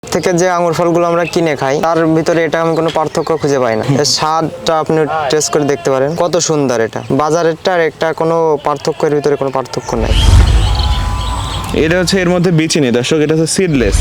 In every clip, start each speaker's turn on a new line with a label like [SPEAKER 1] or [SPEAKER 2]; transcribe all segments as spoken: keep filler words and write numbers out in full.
[SPEAKER 1] থেকে যে আঙুর ফলগুলো আমরা কিনে খাই তার ভিতরে এটা আমি কোনো পার্থক্য খুঁজে পাই না। এর স্বাদটা আপনি টেস্ট করে দেখতে পারেন, কত সুন্দর এটা। বাজারেরটা আর একটা কোনো পার্থক্যের ভিতরে কোনো পার্থক্য নাই।
[SPEAKER 2] এটা হচ্ছে এর মধ্যে বিচি নেই দর্শক, এটা হচ্ছে সিডলেস।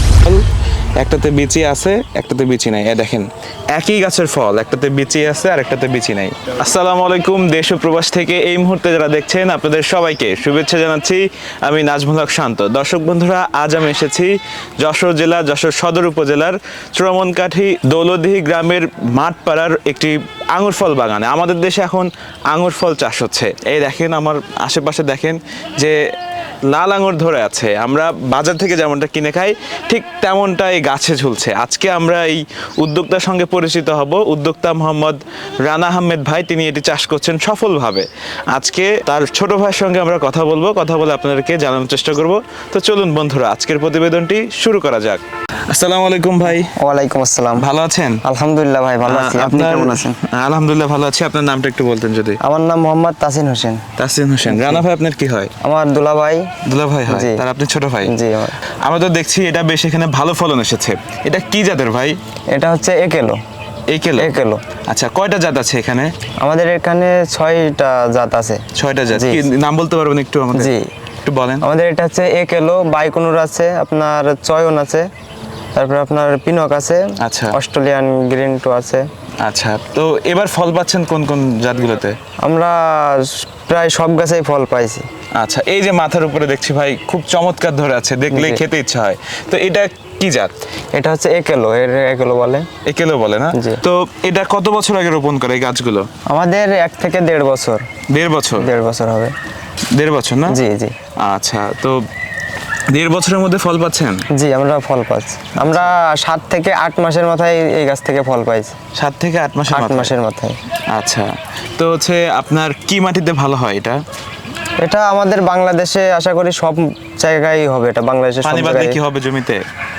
[SPEAKER 2] একটাতে বিচি আছে, একটাতে বিচি নাই। এ দেখেন একই গাছের ফল, একটাতে বিচি আছে আর একটাতে বিচি নাই। আসসালামু আলাইকুম, দেশ ও প্রবাস থেকে এই মুহূর্তে যারা দেখছেন আপনাদের সবাইকে শুভেচ্ছা জানাচ্ছি। আমি নাজমুল হক শান্ত। দর্শক বন্ধুরা, আজ আমি এসেছি যশোর জেলা যশোর সদর উপজেলার চূড়ামনকাঠি দৌলতদিহি গ্রামের মাঠপাড়ার একটি আঙুর ফল বাগানে। আমাদের দেশে এখন আঙুর ফল চাষ হচ্ছে। এই দেখেন আমার আশেপাশে দেখেন যে লাল আঙুর ধরে আছে। আমরা বাজার থেকে যেমনটা কিনে খাই ঠিক তেমনটাই গাছে ঝুলছে। আজকে আমরা এই উদ্যোক্তার সঙ্গে পরিচিত হব। উদ্যোক্তা মোহাম্মদ রানা আহমেদ ভাই, তিনি এটি চাষ করছেন সফলভাবে। আজকে তার ছোট ভাইয়ের সঙ্গে আমরা কথা বলবো, কথা বলে আপনাদেরকে জানানোর চেষ্টা করব। তো চলুন বন্ধুরা, আজকের প্রতিবেদনটি শুরু করা যাক। আসসালামু আলাইকুম ভাই।
[SPEAKER 1] ওয়ালাইকুম আসসালাম।
[SPEAKER 2] ভালো আছেন?
[SPEAKER 1] আলহামদুলিল্লাহ ভাই, ভালো আছি। আপনি কেমন আছেন?
[SPEAKER 2] আলহামদুলিল্লাহ ভালো আছি। আপনার নামটা একটু বলতেন যদি।
[SPEAKER 1] আমার নাম মোহাম্মদ তাসিন হোসেন।
[SPEAKER 2] তাসিন হোসেন। রানা ভাই আপনার কি হয়?
[SPEAKER 1] আমার দুলা ভাই।
[SPEAKER 2] দুলা ভাই হয়, তার আপনি ছোট ভাই?
[SPEAKER 1] জি। আমার
[SPEAKER 2] আমরা তো দেখছি এটা বেশ এখানে ভালো ফলন এসেছে। এটা কি জাতের ভাই?
[SPEAKER 1] এটা হচ্ছে একেলো।
[SPEAKER 2] একেলো?
[SPEAKER 1] একেলো।
[SPEAKER 2] আচ্ছা, কয়টা জাত আছে এখানে?
[SPEAKER 1] আমাদের এখানে ছয়টা জাত আছে।
[SPEAKER 2] ছয়টা জাত?
[SPEAKER 1] জি।
[SPEAKER 2] কি নাম বলতে পারবেন একটু আমাদের?
[SPEAKER 1] জি,
[SPEAKER 2] একটু বলেন।
[SPEAKER 1] আমাদের এটা হচ্ছে একেলো, বাইকুনুর আছে, আপনার চয়ন আছে, তারপরে আপনার পিনক আছে,
[SPEAKER 2] আচ্ছা।
[SPEAKER 1] অস্ট্রেলিয়ান গ্রিন টু আছে।
[SPEAKER 2] আচ্ছা, তো এবার ফল পাচ্ছেন কোন কোন জাতগুলোতে?
[SPEAKER 1] আমরা প্রায় সব গাছেই ফল পাইছি।
[SPEAKER 2] আচ্ছা, এই যে মাথার উপরে দেখছি ভাই খুব চমৎকার ধরে আছে, দেখলেই
[SPEAKER 1] জি।
[SPEAKER 2] খেতে ইচ্ছা হয়। তো এটা কি জাত?
[SPEAKER 1] এটা হচ্ছে একেলো, এর একেলো বলে।
[SPEAKER 2] একেলো বলে না?
[SPEAKER 1] জি।
[SPEAKER 2] তো এটা কত বছর আগে রোপণ করে এই গাছগুলো?
[SPEAKER 1] আমাদের এক থেকে দেড় বছর।
[SPEAKER 2] দেড় বছর?
[SPEAKER 1] দেড় বছর হবে।
[SPEAKER 2] দেড় বছর না?
[SPEAKER 1] জি জি।
[SPEAKER 2] আচ্ছা, তো দেড় বছরের মধ্যে ফল পাচ্ছেন?
[SPEAKER 1] জি, আমরা ফল পাচ্ছি। আমরা সাত থেকে আট মাসের মাথায় এই গাছ থেকে ফল পাইছি।
[SPEAKER 2] সাত থেকে আট মাসের
[SPEAKER 1] আট
[SPEAKER 2] মাথায়?
[SPEAKER 1] মাসের মাথায়।
[SPEAKER 2] আচ্ছা, তো হচ্ছে আপনার কি মাটিতে ভালো হয় এটা?
[SPEAKER 1] এটা আমাদের বাংলাদেশে আশা করি সব জায়গায় হবে। এটা বাংলাদেশে সব
[SPEAKER 2] পানি বাদলে
[SPEAKER 1] জায়গায়
[SPEAKER 2] কি হবে জমিতে?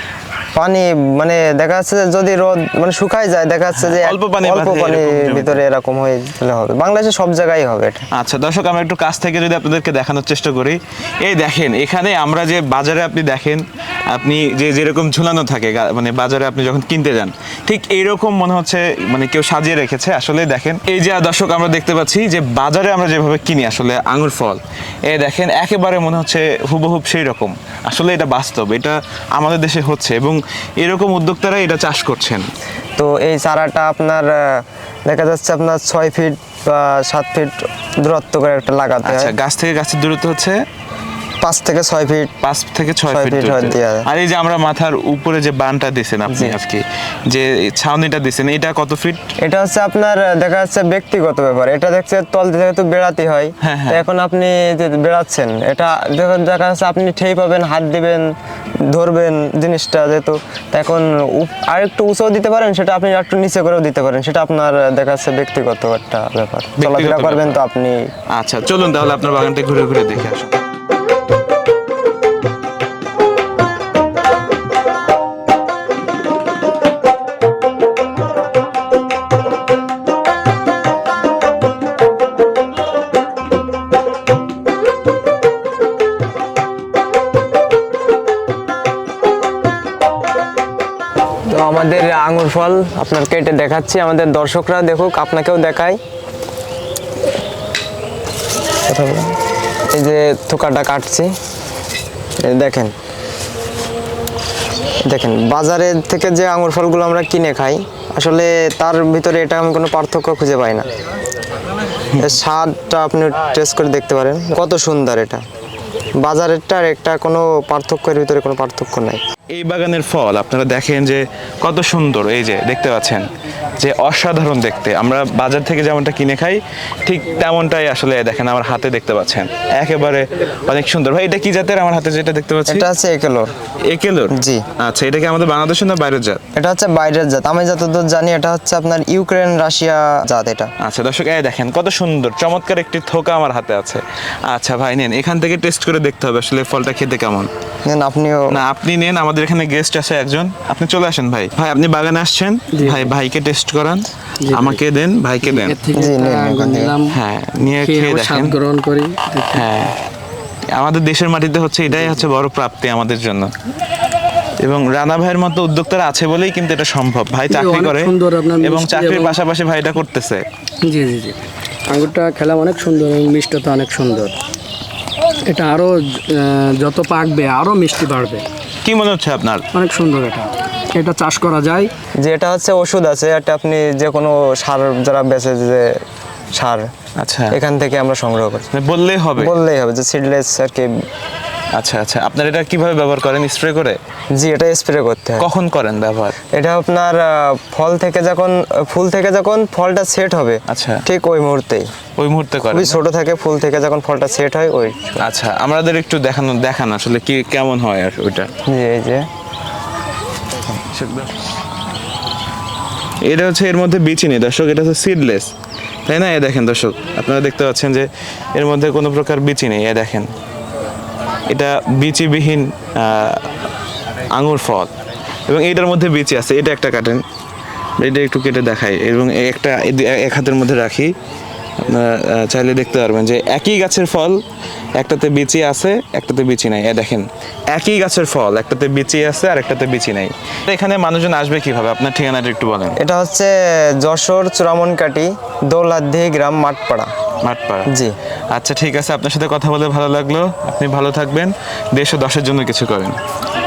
[SPEAKER 1] পানি মানে দেখা যাচ্ছে যে যদি রোদ মানে শুকায় যায়, দেখা যাচ্ছে যে
[SPEAKER 2] অল্প পানি
[SPEAKER 1] অল্প
[SPEAKER 2] বাঁধে
[SPEAKER 1] পানির
[SPEAKER 2] এরকম জমিতে।
[SPEAKER 1] ভিতরে এরকম হয়ে গেলে হবে। বাংলাদেশে সব জায়গায় হবে এটা।
[SPEAKER 2] আচ্ছা দর্শক, আমরা একটু কাছ থেকে যদি আপনাদেরকে দেখানোর চেষ্টা করি। এই দেখেন এখানে আমরা যে বাজারে আপনি দেখেন, আপনি যে যেরকম ঝুলানো থাকে গা- মানে বাজারে আপনি যখন কিনতে যান ঠিক এইরকম মনে হচ্ছে, মানে কেউ সাজিয়ে রেখেছে। আসলে দেখেন এই যে দর্শক আমরা দেখতে পাচ্ছি যে বাজারে আমরা যেভাবে কিনি আসলে আঙুর ফল, এই দেখেন একেবারে মনে হচ্ছে হুবহুব সেই রকম। আসলে এটা বাস্তব, এটা আমাদের দেশে হচ্ছে এবং এরকম উদ্যোক্তারা এটা চাষ করছেন।
[SPEAKER 1] তো এই চারাটা আপনার আহ, দেখা যাচ্ছে আপনার ছয় ফিট বা সাত ফিট দূরত্ব করে একটা লাগাতে
[SPEAKER 2] আচ্ছা,
[SPEAKER 1] হয়।
[SPEAKER 2] গাছ থেকে গাছের দূরত্ব হচ্ছে
[SPEAKER 1] পাঁচ থেকে ছয় ফিট।
[SPEAKER 2] পাঁচ থেকে ছয়
[SPEAKER 1] ছয়
[SPEAKER 2] ফিট
[SPEAKER 1] ফিট
[SPEAKER 2] দূরত্বে।
[SPEAKER 1] দেয়া যায়।
[SPEAKER 2] আর এই যে আমরা মাথার উপরে যে বানটা দিছেন আপনি,
[SPEAKER 1] জি।
[SPEAKER 2] আজকে যে ছাউনিটা দিছেন, এটা কত ফিট?
[SPEAKER 1] এটা হচ্ছে আপনার আহ, দেখা যাচ্ছে ব্যক্তিগত ব্যাপার। এটা দেখছে তল থেকে তো বেড়াতে হয়।
[SPEAKER 2] হ্যাঁ, হ্যাঁ।
[SPEAKER 1] তো এখন আপনি যে বেড়াচ্ছেন, এটা দেখা দেখা যাচ্ছে আপনি ঠেই পাবেন, হাত দিবেন, ধরবেন জিনিসটা যেহেতু। তো এখন উপ- আর একটু উঁচু দিতে পারেন, সেটা আপনি একটু নিচে করেও দিতে পারেন। সেটা আপনার আহ, দেখা যাচ্ছে ব্যক্তিগত একটা ব্যাপার। চলাফেরা করবেন তো
[SPEAKER 2] ব্যাপার।
[SPEAKER 1] আপনি।
[SPEAKER 2] আচ্ছা চলুন তাহলে আপনার বাগানটা ঘুরে ঘুরে দেখে আসুন।
[SPEAKER 1] তো আমাদের আঙুর ফল আপনার কেটে দেখাচ্ছি, আমাদের দর্শকরা দেখুক, আপনাকেও দেখাই। কথা বলুন। এই যে থোকাটা কাটছি, এই দেখেন দেখেন বাজারের থেকে যে আঙুর ফলগুলো আমরা কিনে খাই আসলে তার ভিতরে এটা আমি কোনো পার্থক্য খুঁজে পাই না। এর স্বাদটা আপনি টেস্ট করে দেখতে পারেন, কত সুন্দর এটা। বাজারেরটা আর একটা কোনো পার্থক্যের ভিতরে কোনো পার্থক্য নাই।
[SPEAKER 2] এই বাগানের ফল আপনারা দেখেন যে কত সুন্দর, এই যে দেখতে পাচ্ছেন যে অসাধারণ দেখতে। আমরা বাজার থেকে যেমনটা কিনে খাই ঠিক তেমনটাই আসলে দেখেন আমার হাতে দেখতে পাচ্ছেন, একেবারে অনেক সুন্দর। ভাই এটা কি জাতের আমার হাতে যেটা দেখতে পাচ্ছি?
[SPEAKER 1] এটা হচ্ছে একেলোর।
[SPEAKER 2] একেলোর?
[SPEAKER 1] জি।
[SPEAKER 2] আচ্ছা, এটা কি আমাদের বাংলাদেশের না বাইরের জাত?
[SPEAKER 1] এটা হচ্ছে বাইরের জাত। আমি যতদূর জানি এটা হচ্ছে আপনার ইউক্রেন রাশিয়া জাত এটা।
[SPEAKER 2] আচ্ছা দর্শক, এই দেখেন কত সুন্দর চমৎকার একটি থোকা আমার হাতে আছে। আচ্ছা ভাই নেন, এখান থেকে টেস্ট করে দেখতে হবে আসলে ফলটা খেতে কেমন।
[SPEAKER 1] নেন আপনিও।
[SPEAKER 2] না আপনি নেন, আমাদের এখানে গেস্ট আছে একজন, আপনি চলে আসেন ভাই। ভাই আপনি বাগানে আসছেন, ভাই ভাইকে টেস্ট করান, আমাকে দেন, ভাইকে দেন।
[SPEAKER 1] জি, নিন, নিন, নিন।
[SPEAKER 2] হ্যাঁ, নিয়ে খেয়ে দেখেন।
[SPEAKER 3] গ্রহণ করি।
[SPEAKER 2] হ্যাঁ, আমাদের দেশের মাটিতে হচ্ছে এটাই হচ্ছে বড় প্রাপ্তি আমাদের জন্য। এবং রানা ভাইয়ের মতো উদ্যোক্তারা আছে বলেই কিন্তু এটা সম্ভব। ভাই
[SPEAKER 3] জি,
[SPEAKER 2] চাকরি
[SPEAKER 3] অনেক
[SPEAKER 2] করে
[SPEAKER 3] সুন্দর আপনার
[SPEAKER 2] এবং
[SPEAKER 3] মিষ্টি
[SPEAKER 2] চাকরির
[SPEAKER 3] এবং-
[SPEAKER 2] পাশাপাশি ভাই এটা করতেছে।
[SPEAKER 3] জি জি জি আঙ্গুরটা খেলা অনেক সুন্দর এবং মিষ্টতা অনেক সুন্দর। এটা আরও যত পাকবে আরও মিষ্টি বাড়বে।
[SPEAKER 2] কি মনে হচ্ছে আপনার?
[SPEAKER 3] অনেক সুন্দর এটা এটা চাষ করা যায়।
[SPEAKER 1] যে এটা হচ্ছে ওষুধ আছে, এটা আপনি যে কোনো সার যারা বেচে যে সার,
[SPEAKER 2] আচ্ছা,
[SPEAKER 1] এখান থেকে আমরা সংগ্রহ করি।
[SPEAKER 2] মানে বললেই হবে।
[SPEAKER 1] বললেই হবে যে সিডলেস আর কি।
[SPEAKER 2] আচ্ছা আচ্ছা, আপনার এটা কিভাবে ব্যবহার করেন? স্প্রে করে?
[SPEAKER 1] জি, এটা স্প্রে করতে হয়।
[SPEAKER 2] কখন করেন ব্যবহার?
[SPEAKER 1] এটা আপনার আহ, ফল থেকে যখন ফুল থেকে যখন ফলটা সেট হবে,
[SPEAKER 2] আচ্ছা,
[SPEAKER 1] ঠিক ওই মুহূর্তেই।
[SPEAKER 2] ওই মুহূর্তে করেন?
[SPEAKER 1] খুবই ছোট থাকে, ফুল থেকে যখন ফলটা সেট হয় ওই।
[SPEAKER 2] আচ্ছা, আমাদের একটু দেখানো দেখান আসলে কি কেমন হয় আর ওইটা।
[SPEAKER 1] জি, এই যে
[SPEAKER 2] এটা হচ্ছে এর মধ্যে বিচি নেই দর্শক, এটা হচ্ছে সিডলেস, তাই না? এ দেখেন দর্শক, আপনারা দেখতে পাচ্ছেন যে এর মধ্যে কোনো প্রকার বিচি নেই। এ দেখেন, এটা বিচিবিহীন আহ, আঙুর ফল এবং এটার মধ্যে বিচি আছে। এটা একটা কাটেন, এটা একটু কেটে দেখাই এবং একটা এক হাতের মধ্যে রাখি। আপনারা আহ, চাইলে দেখতে পারবেন যে একই গাছের ফল, একটাতে বিচি আছে একটাতে বিচি নাই। এ দেখেন, একই গাছের ফল, একটাতে বিচি আছে আর একটাতে বিচি নাই। এখানে মানুষজন আসবে কিভাবে? আপনার ঠিকানাটা একটু বলেন।
[SPEAKER 1] এটা হচ্ছে যশোর চূড়ামনকাটি দৌলাদি গ্রাম মাঠপাড়া।
[SPEAKER 2] মাঠপাড়া।
[SPEAKER 1] জি।
[SPEAKER 2] আচ্ছা ঠিক আছে, আপনার সাথে কথা বলে ভালো লাগলো। আপনি ভালো থাকবেন, দেশ ও দশের জন্য কিছু করেন।